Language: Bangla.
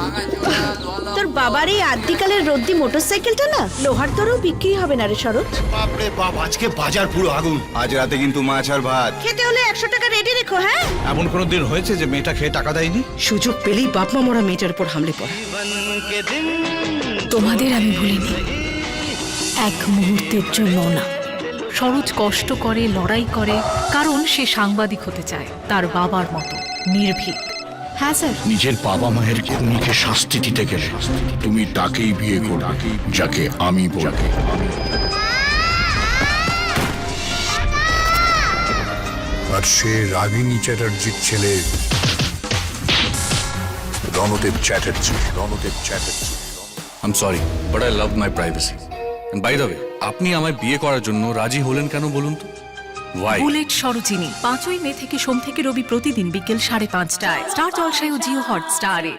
তোর বাবার এই আদ্যিকালের রদ্দি মোটরসাইকেলটা না লোহার দরেও বিক্রি হবে না রে শরৎ। বাপরে বাপ, আজকে বাজার পুরো আগুন। আজ রাতে কিন্তু মাছ আর ভাত খেতে হলে 100 টাকা রেডি রেখো। হ্যাঁ, এমন কোনো দিন হয়েছে যে মেয়েটা খেয়ে টাকা দেয়নি? সুযোগ পেলেই বাপমা মরা মেয়েটার উপর হামলে পড়ে। তোমাদের আমি ভুলিনি, এক মুহূর্তের জন্য না। সরোজ কষ্ট করে, লড়াই করে, কারণ সে সাংবাদিক হতে চায় তার বাবার মতো নির্ভীক। হ্যাঁ স্যার। নিজের বাবা মায়ের খুনিকে শাস্তি দিতে গেলে তুমি তাকেই বিয়ে করো যাকে আমি বলবো। আর সে রাগিনী চ্যাটার্জির ছেলে Ranadeb Chatterjee. I'm sorry, but I love my privacy. And by the way, আপনি আমায় বিয়ে করার জন্য রাজি হলেন কেন বলুন তো? Why? বুলেট সরোজিনী 5ই মে থেকে সোম থেকে রবি প্রতিদিন বিকেল 5:30টায় স্টার জলসায় ও জিও হটস্টারে।